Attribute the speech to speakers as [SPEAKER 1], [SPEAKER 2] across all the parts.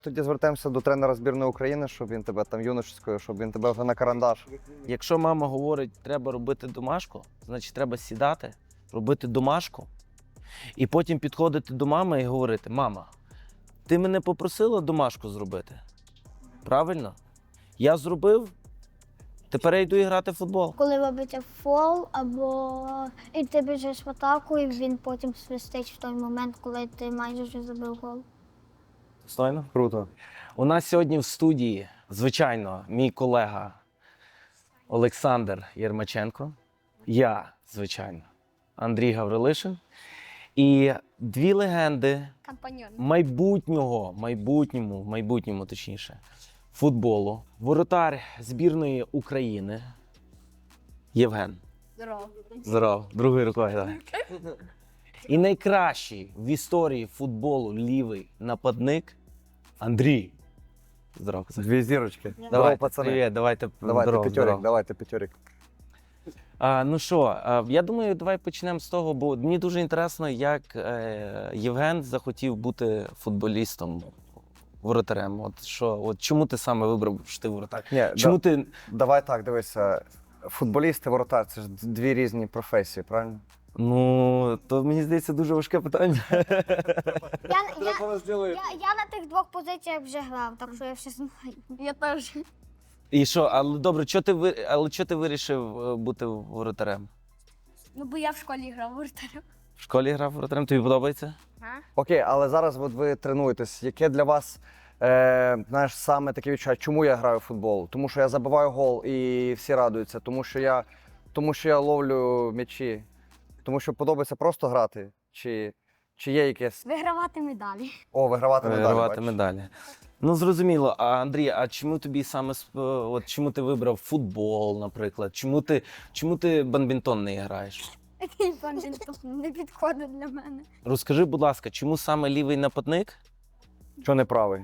[SPEAKER 1] Тоді звертаємося до тренера збірної України, щоб він тебе там юношеською, щоб він тебе вже на карандаш.
[SPEAKER 2] Якщо мама говорить, треба робити домашку, значить треба сідати, робити домашку і потім підходити до мами і говорити: мама, ти мене попросила домашку зробити? Правильно? Я зробив, тепер я йду і грати в футбол.
[SPEAKER 3] Коли робиться фол, або і ти біжиш в атаку, і він потім свистить в той момент, коли ти майже вже забив гол.
[SPEAKER 2] Достойно?
[SPEAKER 1] Круто.
[SPEAKER 2] У нас сьогодні в студії, звичайно, мій колега Олександр Єрмаченко, я, звичайно, Андрій Гаврилишин і дві легенди
[SPEAKER 3] Компаньон.
[SPEAKER 2] майбутньому точніше, футболу. Воротар збірної України Євген.
[SPEAKER 3] Здорово.
[SPEAKER 2] Здорово, другою рукою, давай. І найкращий в історії футболу лівий нападник Андрій. Здорово, Козак.
[SPEAKER 1] Дві зірочки.
[SPEAKER 2] Давайте,
[SPEAKER 1] пацани.
[SPEAKER 2] привіт, давайте,
[SPEAKER 1] Давайте
[SPEAKER 2] здорово,
[SPEAKER 1] п'ятьорик,
[SPEAKER 2] здорово.
[SPEAKER 1] давайте п'ятьорик.
[SPEAKER 2] Ну що, я думаю, давай почнемо з того, бо мені дуже інтересно, як Євген захотів бути футболістом, воротарем. От чому ти саме вибрав, що ти воротар?
[SPEAKER 1] Ні,
[SPEAKER 2] Чому ти...
[SPEAKER 1] Давай так, дивися. Футболіст і воротар – це ж дві різні професії, правильно?
[SPEAKER 2] Ну, то мені здається дуже важке питання.
[SPEAKER 3] Я на тих двох позиціях вже грав, так що я все знаю. Я теж.
[SPEAKER 2] І що, але добре, чого ти вирішив бути воротарем?
[SPEAKER 3] Ну, бо я в школі грав воротарем.
[SPEAKER 2] В школі грав воротарем, тобі подобається?
[SPEAKER 1] Окей, але зараз от ви тренуєтесь. Яке для вас, знаєш, саме таке відчуття, чому я граю в футбол? Тому що я забиваю гол і всі радуються, тому що я ловлю м'ячі, тому що подобається просто грати, чи є якесь...
[SPEAKER 3] Вигравати медалі.
[SPEAKER 1] О, вигравати медалі,
[SPEAKER 2] Вигравати
[SPEAKER 1] бачиш?
[SPEAKER 2] медалі. Ну, зрозуміло. А Андрій, а чому тобі саме чому ти вибрав футбол, наприклад? Чому ти бадмінтон не граєш?
[SPEAKER 3] Такий бадмінтон не підходить для мене.
[SPEAKER 2] Розкажи, будь ласка, чому саме лівий нападник?
[SPEAKER 1] Що не правий?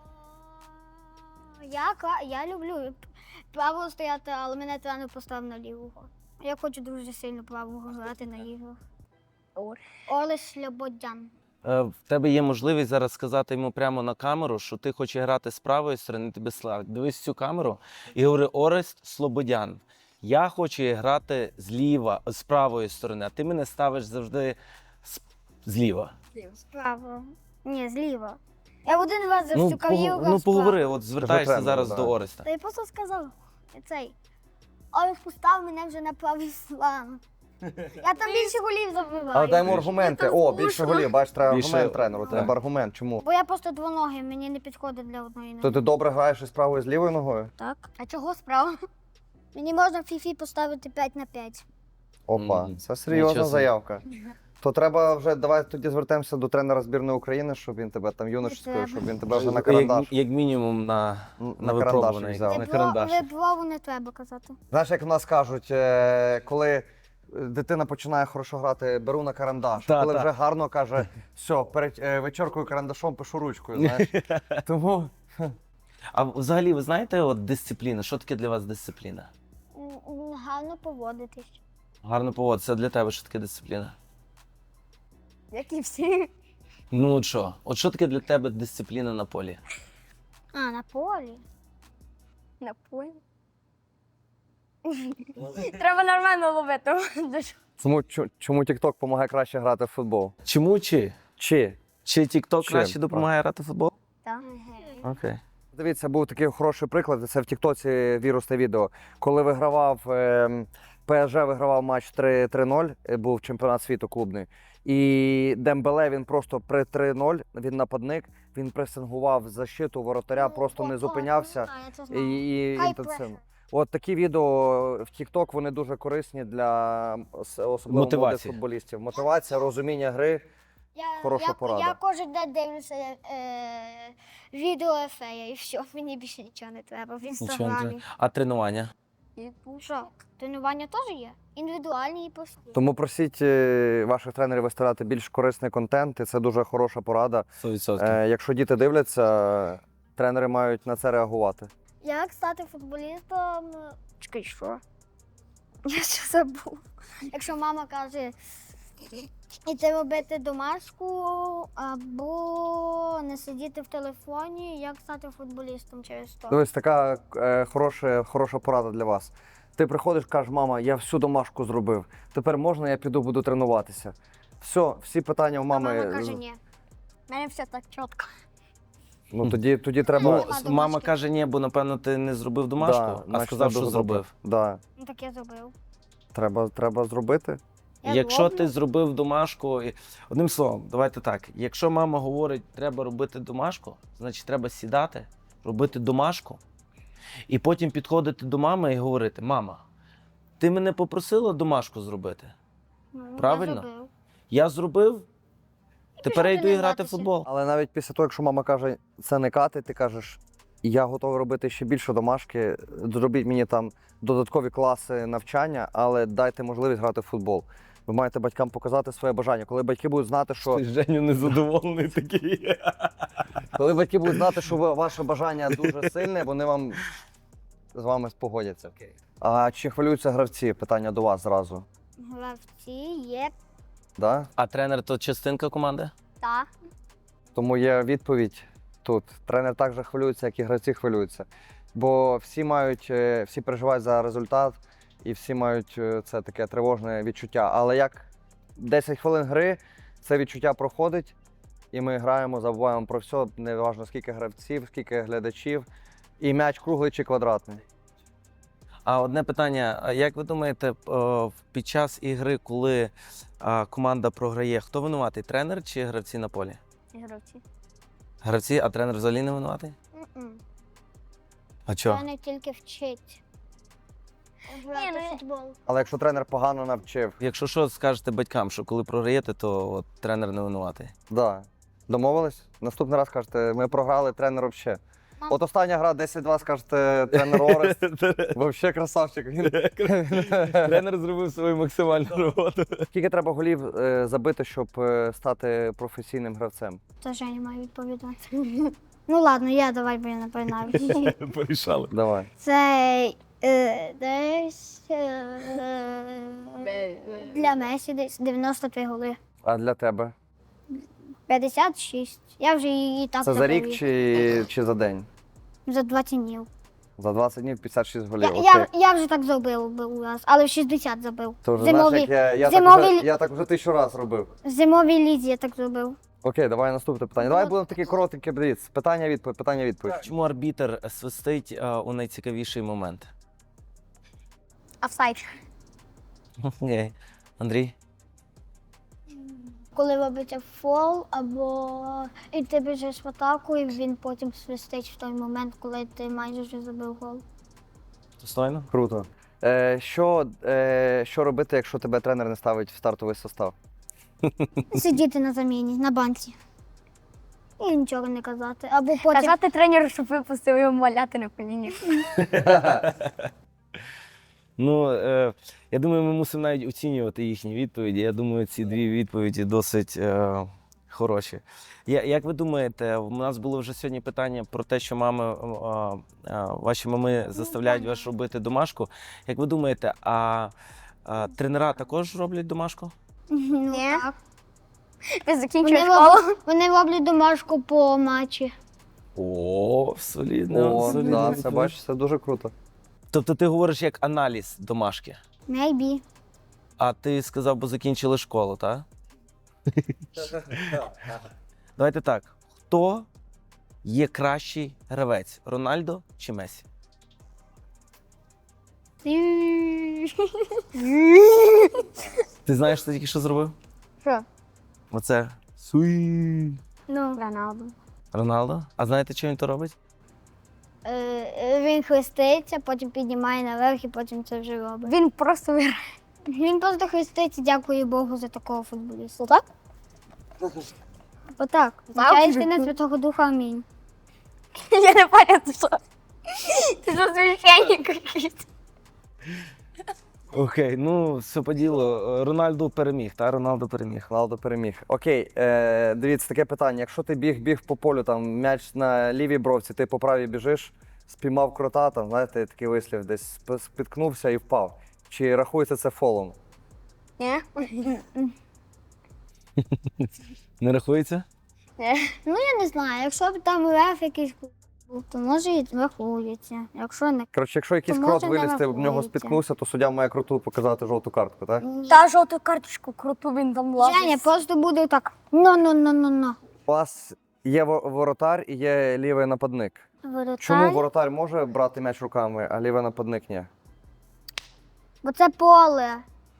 [SPEAKER 3] Я люблю право стояти, але мене тренер поставив на лівого. Я хочу дуже сильно правого грати на іграх. Олесь Слободян.
[SPEAKER 2] В тебе є можливість зараз сказати йому прямо на камеру, що ти хочеш грати з правої сторони, тебе славить. Дивись в цю камеру і говори: Орест Слободян, я хочу грати з правої сторони, а ти мене ставиш завжди зліва.
[SPEAKER 3] Справа. Ні, зліва. Я один раз за всю кар'єру грав
[SPEAKER 2] Ну,
[SPEAKER 3] справа.
[SPEAKER 2] поговори, от звертаєшся
[SPEAKER 1] тренеру,
[SPEAKER 2] зараз
[SPEAKER 1] да.
[SPEAKER 2] до Ореста.
[SPEAKER 3] Та я просто сказав цей. Орест поставив мене вже на правий фланг. Я там більше голів забиваю.
[SPEAKER 1] Але дай йому аргументи.
[SPEAKER 3] Я там
[SPEAKER 1] О, більше
[SPEAKER 3] скучно.
[SPEAKER 1] голів, бачиш, треба
[SPEAKER 2] Більше,
[SPEAKER 1] аргумент тренеру,
[SPEAKER 2] так.
[SPEAKER 1] треба аргумент. Чому?
[SPEAKER 3] Бо я просто двоногий, мені не підходить для одної ноги.
[SPEAKER 1] То ти добре граєш із правою і з лівою ногою?
[SPEAKER 3] Так. А чого справа? Мені можна в фіфі поставити 5 на 5.
[SPEAKER 1] Опа,
[SPEAKER 2] Мгм.
[SPEAKER 1] це серйозна
[SPEAKER 2] Нічого собі.
[SPEAKER 1] заявка. То треба вже, давай тоді звертаємося до тренера збірної України, щоб він тебе там юношеською,
[SPEAKER 3] треба.
[SPEAKER 1] щоб він тебе вже на карандаш.
[SPEAKER 2] Як мінімум на
[SPEAKER 1] карандаш
[SPEAKER 2] випробуваний,
[SPEAKER 1] взяв.
[SPEAKER 2] на карандаш.
[SPEAKER 3] Виброву не треба казати.
[SPEAKER 1] Знаєш, як в нас кажуть, коли дитина починає хорошо грати, беру на карандаш.
[SPEAKER 2] Та,
[SPEAKER 1] Коли
[SPEAKER 2] та.
[SPEAKER 1] вже гарно каже, все, вичеркую карандашом, пишу ручкою, знаєш. Тому
[SPEAKER 2] А взагалі, ви знаєте, от дисципліна, що таке для вас дисципліна?
[SPEAKER 3] Гарно поводитись.
[SPEAKER 2] Гарно поводитися, це для тебе що таке дисципліна?
[SPEAKER 3] Як і всі.
[SPEAKER 2] Ну от що таке для тебе дисципліна на полі?
[SPEAKER 3] А, на полі. На полі? Треба нормально ловити.
[SPEAKER 1] чому TikTok допомагає краще грати в футбол?
[SPEAKER 2] Чому чи
[SPEAKER 1] Чи?
[SPEAKER 2] TikTok
[SPEAKER 1] Чим?
[SPEAKER 2] краще допомагає грати в футбол?
[SPEAKER 3] Так.
[SPEAKER 2] Окей.
[SPEAKER 1] Дивіться, був такий хороший приклад, це в Тіктоці вірусне відео. Коли ПСЖ вигравав матч 3-0, був чемпіонат світу клубний, і Дембеле, він просто при 3-0, він нападник, він пресингував защиту воротаря, просто не зупинявся і інтенсивно. От такі відео в TikTok, вони дуже корисні для особливо молодих
[SPEAKER 2] Мотивації.
[SPEAKER 1] футболістів. Мотивація, розуміння гри. Хороша порада.
[SPEAKER 3] Я кожен день дивлюся відео Ефея і все, мені більше нічого не треба в
[SPEAKER 2] Нічого не
[SPEAKER 3] інстаграмі.
[SPEAKER 2] треба. А тренування?
[SPEAKER 3] Що, тренування теж є? Індивідуальні і прості.
[SPEAKER 1] Тому просіть ваших тренерів виставляти більш корисний контент, і це дуже хороша порада.
[SPEAKER 2] 100%.
[SPEAKER 1] Якщо діти дивляться, тренери мають на це реагувати.
[SPEAKER 3] Як стати футболістом? Чекай, що? Я ще забув. Якщо мама каже, іти робити домашку або не сидіти в телефоні, як стати футболістом через то.
[SPEAKER 1] Дивись, така хороша порада для вас. Ти приходиш, кажеш, мама, я всю домашку зробив. Тепер можна, я піду, буду тренуватися. Все, всі питання у
[SPEAKER 3] А
[SPEAKER 1] мами.
[SPEAKER 3] мама каже, ні. У мене все так чітко.
[SPEAKER 1] Ну тоді
[SPEAKER 2] Ну,
[SPEAKER 1] треба.
[SPEAKER 3] Нема
[SPEAKER 2] мама
[SPEAKER 3] домашки.
[SPEAKER 2] каже, ні, бо напевно ти не зробив домашку, а
[SPEAKER 1] значить,
[SPEAKER 2] сказав,
[SPEAKER 1] треба
[SPEAKER 2] що зробив.
[SPEAKER 1] Да.
[SPEAKER 3] Ну так я зробив.
[SPEAKER 1] Треба зробити.
[SPEAKER 3] Я
[SPEAKER 2] Якщо
[SPEAKER 3] зроблю.
[SPEAKER 2] ти зробив домашку, одним словом, давайте так. Якщо мама говорить, треба робити домашку, значить треба сідати, робити домашку, і потім підходити до мами і говорити: мама, ти мене попросила домашку зробити?
[SPEAKER 3] Ну,
[SPEAKER 2] правильно?
[SPEAKER 3] Я зробив.
[SPEAKER 2] Я зробив, тепер я йду і грати в
[SPEAKER 3] тренуватися.
[SPEAKER 2] футбол.
[SPEAKER 1] Але навіть після того, якщо мама каже, це не кати, ти кажеш, я готовий робити ще більше домашки, зробіть мені там додаткові класи навчання, але дайте можливість грати в футбол. Ви маєте батькам показати своє бажання. Коли батьки будуть знати, що
[SPEAKER 2] Женю незадоволений такий.
[SPEAKER 1] коли батьки будуть знати, що ваше бажання дуже сильне, вони вам з вами спогодяться. А чи хвилюються гравці? Питання до вас зразу.
[SPEAKER 3] Гравці є
[SPEAKER 1] Да?
[SPEAKER 2] А тренер то частинка команди?
[SPEAKER 3] та.
[SPEAKER 1] Тому є відповідь тут. Тренер так же хвилюється, як і гравці хвилюються. Бо всі переживають за результат і всі мають це таке тривожне відчуття. Але як 10 хвилин гри, це відчуття проходить, і ми граємо, забуваємо про все, неважно скільки гравців, скільки глядачів, і м'яч круглий чи квадратний.
[SPEAKER 2] А одне питання: а як ви думаєте, під час ігри, коли команда програє, хто винуватий? Тренер чи гравці на полі?
[SPEAKER 3] Гравці.
[SPEAKER 2] Гравці, а тренер взагалі не винуватий? А чого?
[SPEAKER 3] Вони тільки вчить. Грати в футбол.
[SPEAKER 1] Але якщо тренер погано навчив,
[SPEAKER 2] Якщо що, скажете батькам, що коли програєте, то от, тренер не винуватий.
[SPEAKER 1] да. Домовились? Наступний раз кажете, ми програли, тренер взагалі.
[SPEAKER 3] Мам.
[SPEAKER 1] От остання гра 10-2, скажете, тренер Орест, взагалі красавчик.
[SPEAKER 2] Тренер зробив свою максимальну роботу.
[SPEAKER 1] Скільки треба голів забити, щоб стати професійним гравцем?
[SPEAKER 3] То Женя має відповідати. Ну ладно, давай, бо я не пам'ятаю.
[SPEAKER 2] Порішали.
[SPEAKER 1] Давай.
[SPEAKER 3] Це десь для Месі десь 93 голи.
[SPEAKER 1] А для тебе?
[SPEAKER 3] 56. Я вже її так
[SPEAKER 1] Це за рік
[SPEAKER 3] забив.
[SPEAKER 1] чи за день?
[SPEAKER 3] За 20 днів.
[SPEAKER 1] За 20 днів 56 голів.
[SPEAKER 3] Я вже так зробив був раз, але в 60 забив.
[SPEAKER 1] То вже знаєш, як
[SPEAKER 3] зимові-
[SPEAKER 1] я так вже 1000 разів робив.
[SPEAKER 3] В зимовій лізі я так зробив.
[SPEAKER 1] Окей, давай наступне питання. Давай будемо такі коротенькі, дивіться. Питання-відповідь.
[SPEAKER 2] Чому арбітр свистить у найцікавіший момент?
[SPEAKER 3] Офсайд.
[SPEAKER 2] Окей. Андрій?
[SPEAKER 3] Коли робиться фол, або і ти біжиш в атаку, і він потім свистить в той момент, коли ти майже вже забив гол.
[SPEAKER 2] Достойно?
[SPEAKER 1] Круто. Що робити, якщо тебе тренер не ставить в стартовий состав?
[SPEAKER 3] Сидіти на заміні, на банці. І нічого не казати. Або потім
[SPEAKER 4] Казати тренеру, щоб випустив його маляти на коліні.
[SPEAKER 2] Ну, я думаю, ми мусимо навіть оцінювати їхні відповіді. Я думаю, ці дві відповіді досить хороші. Як ви думаєте, у нас було вже сьогодні питання про те, що ваші мами заставляють вас робити домашку. Як ви думаєте, тренера також роблять домашку?
[SPEAKER 3] ну,
[SPEAKER 4] Ні.
[SPEAKER 3] так.
[SPEAKER 4] Ти закінчуєш
[SPEAKER 3] Вони
[SPEAKER 4] школу.
[SPEAKER 3] Вони роблять домашку по матчі.
[SPEAKER 2] О, солідно.
[SPEAKER 1] О,
[SPEAKER 2] солідно.
[SPEAKER 1] да, це бачиш, це дуже круто.
[SPEAKER 2] Тобто ти говориш як аналіз домашки,
[SPEAKER 3] Maybe.
[SPEAKER 2] а ти сказав, бо закінчили школу, так? Давайте так. Хто є кращий гравець? Рональдо чи Месі? Ти знаєш, що ти тільки що зробив?
[SPEAKER 4] Що?
[SPEAKER 2] Оце суї.
[SPEAKER 3] Ну,
[SPEAKER 4] Роналду.
[SPEAKER 2] Роналдо? А знаєте, чому він то робить?
[SPEAKER 3] він хреститься, потім піднімає наверх і потім це вже робить.
[SPEAKER 4] Він просто виграє.
[SPEAKER 3] Він просто хреститься, дякую Богу за такого футболіста. Так? Отак. Звичайно, сина Святого Духа, амінь.
[SPEAKER 4] Я не пам'ятаю, що. Ти що священник якийсь.
[SPEAKER 2] Окей, ну все по ділу. Роналдо переміг, та Роналдо переміг.
[SPEAKER 1] Роналдо переміг. Окей, дивіться, таке питання. Якщо ти біг по полю, там м'яч на лівій бровці, ти по правій біжиш, спіймав крота, там, знаєте, такий вислів, десь спіткнувся і впав. Чи рахується це фолом?
[SPEAKER 4] Ні?
[SPEAKER 2] Не рахується?
[SPEAKER 3] Ну, я не знаю, якщо б там РФ якийсь був, то може і рахується. Якщо не
[SPEAKER 1] Коротше, якщо якийсь
[SPEAKER 3] То
[SPEAKER 1] крот
[SPEAKER 3] може не
[SPEAKER 1] вилізти, в нього
[SPEAKER 3] рахується.
[SPEAKER 1] спіткнувся, то суддя має круту показати жовту картку, так?
[SPEAKER 4] Та жовту карточку круту він там лазить.
[SPEAKER 3] Женя, просто буде так. Ну.
[SPEAKER 1] У вас є воротар і є лівий нападник.
[SPEAKER 3] Воротар.
[SPEAKER 1] Чому воротар може брати м'яч руками, а лівий нападник ні?
[SPEAKER 3] Бо це поле.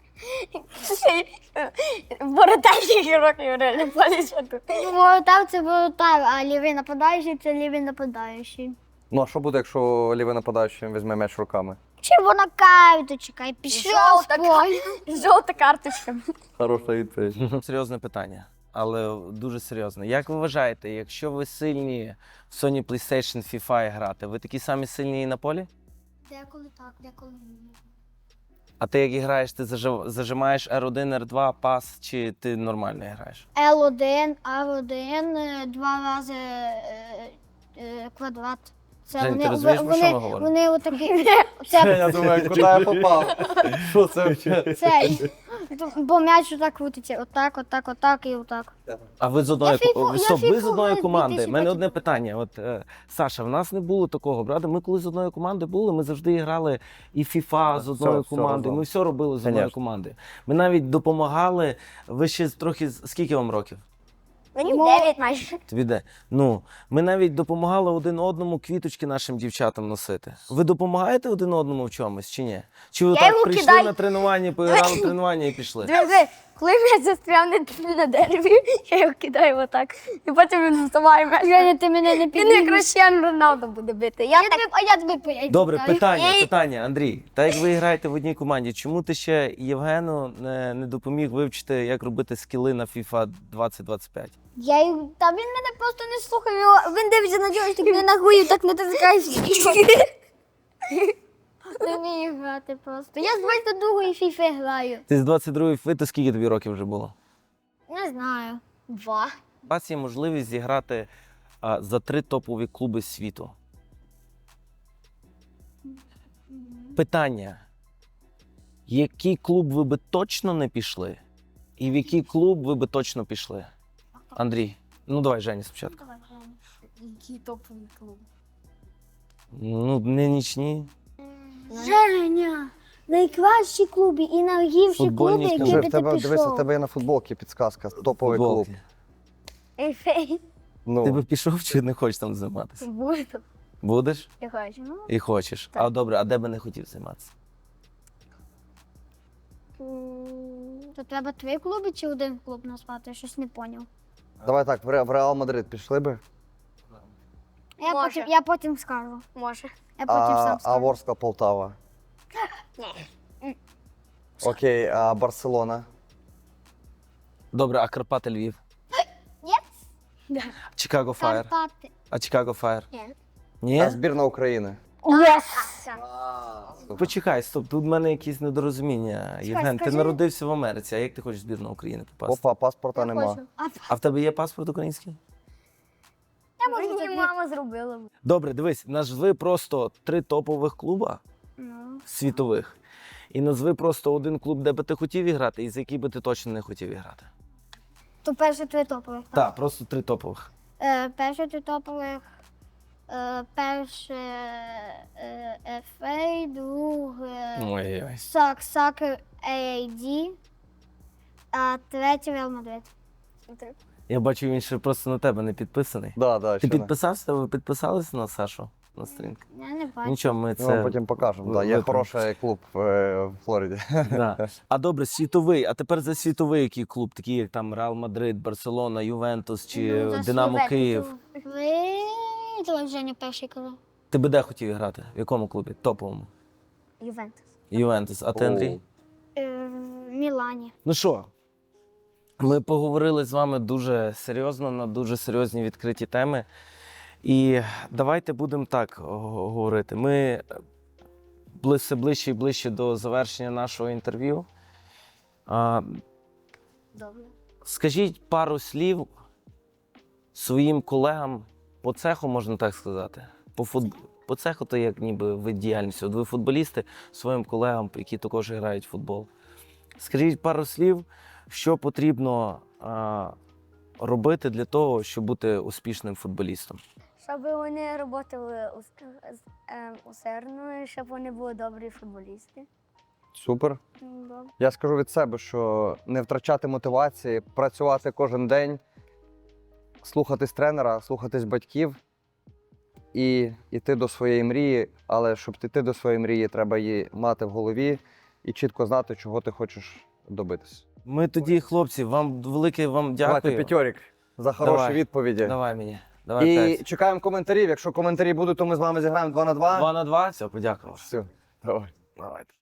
[SPEAKER 4] Воротарський років реально полізати.
[SPEAKER 3] Ну, воротар це воротар, а лівий нападаючий це лівий нападаючий.
[SPEAKER 1] Ну а що буде, якщо лівий нападаючий візьме м'яч руками?
[SPEAKER 3] Червона карточка і пішов з
[SPEAKER 4] Жовта
[SPEAKER 3] поля.
[SPEAKER 4] Жовта карточка.
[SPEAKER 1] Хороша відповідь.
[SPEAKER 2] Серйозне питання, але дуже серйозне. Як ви вважаєте, якщо ви сильні в Sony PlayStation FIFA грати, ви такі самі сильні і на полі?
[SPEAKER 3] Деколи так, деколи ні.
[SPEAKER 2] А ти як граєш, ти зажимаєш R1, R2, пас, чи ти нормально граєш?
[SPEAKER 3] L1, R1, два рази квадрат. Це
[SPEAKER 2] Жень, ти розумієш, про що ми говоримо?
[SPEAKER 3] Вони отакі. Це,
[SPEAKER 1] Я думаю, куди я попав? Що це взагалі?
[SPEAKER 3] це, бо м'яч отак крутиться. Отак і отак.
[SPEAKER 2] А ви з одної
[SPEAKER 3] Я фіфу-
[SPEAKER 2] Стоп,
[SPEAKER 3] я
[SPEAKER 2] ви з
[SPEAKER 3] фіфу
[SPEAKER 2] одної
[SPEAKER 3] граю з
[SPEAKER 2] команди. У
[SPEAKER 3] 2000
[SPEAKER 2] мене одне питання. От Саша, в нас не було такого, брата. Ми коли з одної команди були, ми завжди грали і FIFA з одної
[SPEAKER 1] все
[SPEAKER 2] команди.
[SPEAKER 1] разом.
[SPEAKER 2] Ми все робили з одної
[SPEAKER 1] Конечно.
[SPEAKER 2] команди. Ми навіть допомагали. Ви ще трохи скільки вам років?
[SPEAKER 4] Мені 9 майже.
[SPEAKER 2] Тобі де? Ну, ми навіть допомагали один одному квіточки нашим дівчатам носити. Ви допомагаєте один одному в чомусь чи ні? Чи ви
[SPEAKER 4] Я
[SPEAKER 2] так
[SPEAKER 4] його
[SPEAKER 2] прийшли
[SPEAKER 4] кидаю.
[SPEAKER 2] на тренування, поіграли в тренування і пішли?
[SPEAKER 4] Диви, коли м'яч застряв на дереві, я його кидаю отак. І потім він вставає м'яч.
[SPEAKER 3] Женя, ти мене не
[SPEAKER 4] Він
[SPEAKER 3] піднімеш.
[SPEAKER 4] як Крещен Роналдо буде бити. Я так
[SPEAKER 3] А я тебе поїду.
[SPEAKER 2] Добре, питання, Андрій. Так як ви граєте в одній команді, чому ти ще Євгену не допоміг вивчити, як робити скіли на FIFA 2025?
[SPEAKER 3] Та він мене просто не слухав. Він дивиться на джойстик, не ногою так натискає. Не вмію грати просто. Я з 22-ї фіфи граю.
[SPEAKER 2] Ти з 22-ї фи, то скільки тобі років вже було?
[SPEAKER 3] Не знаю. 2.
[SPEAKER 2] У вас є можливість зіграти за 3 топові клуби світу. Питання. Який клуб ви би точно не пішли? І в який клуб ви би точно пішли? Андрій, ну давай, Жені, спочатку.
[SPEAKER 4] Який топовий клуб.
[SPEAKER 2] Ну, не нічні.
[SPEAKER 3] Женя, найкращі клуби і найгірші
[SPEAKER 2] Футбольні
[SPEAKER 3] клуби,
[SPEAKER 2] клуби.
[SPEAKER 3] які би ти
[SPEAKER 1] Дивися, в
[SPEAKER 3] пішов.
[SPEAKER 1] тебе є на футболці підсказка, топовий клуб.
[SPEAKER 2] Футболки.
[SPEAKER 4] Ейфей.
[SPEAKER 1] Ну,
[SPEAKER 2] Ти би пішов чи не хочеш там займатися?
[SPEAKER 4] Буду.
[SPEAKER 2] Будеш?
[SPEAKER 4] Я хочу.
[SPEAKER 2] І хочеш.
[SPEAKER 4] Так.
[SPEAKER 2] А добре, а де би не хотів займатися?
[SPEAKER 3] То треба 3 клуби чи один клуб назвати? Я щось не поняв.
[SPEAKER 1] давай так, в Реал Мадрид пішли би,
[SPEAKER 4] Може.
[SPEAKER 3] Я потім скажу.
[SPEAKER 4] Може.
[SPEAKER 3] Я потім сам
[SPEAKER 1] а
[SPEAKER 3] скажу.
[SPEAKER 1] Ворскла Полтава. Окей, а Барселона.
[SPEAKER 2] Добре, а Карпати Львів?
[SPEAKER 3] Ні.
[SPEAKER 2] Чикаго Фаєр.
[SPEAKER 3] Карпати.
[SPEAKER 2] А Чикаго Фаєр?
[SPEAKER 4] Ні.
[SPEAKER 2] Ні?
[SPEAKER 1] А збірна України.
[SPEAKER 2] Почекай, стоп, тут в мене якісь недорозуміння. Євген, ти
[SPEAKER 3] скажи.
[SPEAKER 2] народився в Америці, а як ти хочеш в збірну України попасти?
[SPEAKER 1] Опа, паспорта нема.
[SPEAKER 2] А в тебе є паспорт український?
[SPEAKER 4] Мені мама зробила.
[SPEAKER 2] Добре, дивись, назви просто 3 топових клуба
[SPEAKER 3] Ну.
[SPEAKER 2] світових. І назви просто один клуб, де би ти хотів іграти, і за який би ти точно не хотів іграти.
[SPEAKER 3] То перші 3 топових.
[SPEAKER 2] Так, просто 3 топових.
[SPEAKER 3] Перші 3 топових. Перше FA, друге
[SPEAKER 2] Ой-ой.
[SPEAKER 3] Soccer AAD, а третє Real Madrid.
[SPEAKER 2] Я бачу, він ще просто на тебе не підписаний.
[SPEAKER 1] Да,
[SPEAKER 2] Ти
[SPEAKER 1] ще не.
[SPEAKER 2] підписався? Ви підписалися на Сашу на сторінку?
[SPEAKER 3] Я не бачу.
[SPEAKER 2] Нічого, ми
[SPEAKER 1] Ми
[SPEAKER 2] це
[SPEAKER 1] вам потім покажемо. Да, є
[SPEAKER 2] виправимо.
[SPEAKER 1] хороший клуб в Флориді.
[SPEAKER 2] Да. А добре, світовий. А тепер за світовий який клуб, такий як там Реал Мадрид, Барселона, Ювентус чи
[SPEAKER 3] Ну, за
[SPEAKER 2] Динамо
[SPEAKER 3] Словакію.
[SPEAKER 2] Київ.
[SPEAKER 3] Давай Женя перший казав.
[SPEAKER 2] Ти би де хотів грати? В якому клубі? Топовому?
[SPEAKER 4] Ювентус.
[SPEAKER 2] Ювентус. А ти, Андрій?
[SPEAKER 3] В Мілані.
[SPEAKER 2] Ну що, ми поговорили з вами дуже серйозно на дуже серйозні відкриті теми. І давайте будемо так говорити. Ми все ближче і ближче до завершення нашого інтерв'ю.
[SPEAKER 4] Добре.
[SPEAKER 2] Скажіть пару слів своїм колегам по цеху, можна так сказати. По цеху то як ніби вид діяльності. От ви футболісти своїм колегам, які також грають в футбол. Скажіть пару слів, що потрібно робити для того, щоб бути успішним футболістом?
[SPEAKER 4] Щоб вони працювали усердно, і щоб вони були добрі футболісти.
[SPEAKER 1] Супер. Я скажу від себе, що не втрачати мотивації, працювати кожен день, слухатись тренера, слухатись батьків і йти до своєї мрії. Але щоб йти до своєї мрії, треба її мати в голові і чітко знати, чого ти хочеш добитися.
[SPEAKER 2] Ми тоді, хлопці, вам велике вам
[SPEAKER 1] Давайте
[SPEAKER 2] дякую.
[SPEAKER 1] п'ятьорік за хороші
[SPEAKER 2] Давай.
[SPEAKER 1] відповіді.
[SPEAKER 2] Давай мені. Давай
[SPEAKER 1] І
[SPEAKER 2] 5.
[SPEAKER 1] чекаємо коментарів. Якщо коментарі будуть, то ми з вами зіграємо 2 на 2.
[SPEAKER 2] 2 на 2? Все, подякував.
[SPEAKER 1] Все, давай.
[SPEAKER 2] Давайте.